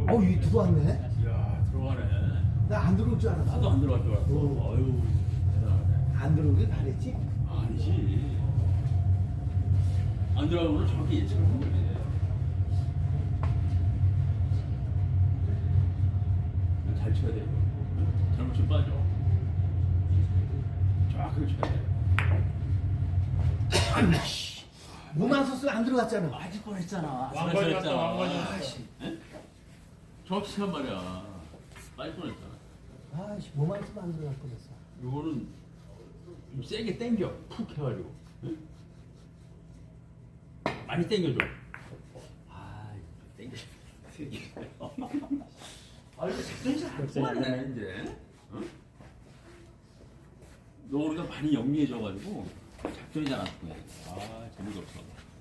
이 들어왔네. 이야, 들어가네. 나 안 들어올 줄 알았어. 나도 안 들어갈 줄 알았어. 어. 아유, 대단하네. 안 들어오길 바랬지. 아니지. 안 들어가면 정확히 예측하는 거지. 잘 쳐야 돼. 잘못 좀 빠져. 정확하게 쳐야 돼. 몸안 썼으면 안 들어갔잖아. 맞을 뻔했잖아. 왕관이 왔다, 왕관이 왔다. 에? 정확히 치란 말이야. 빠질 뻔했잖아. 몸안 쓰면 안 들어갈 뻔했어. 이거는 좀 세게 당겨. 푹 해가지고. 응? 많이 당겨줘. 당겨. 이거 작전이 잘안 통하네 이제. 응? 너 우리가 많이 영리해져가지고 작전이 잘 안 통해. 재미가 없어.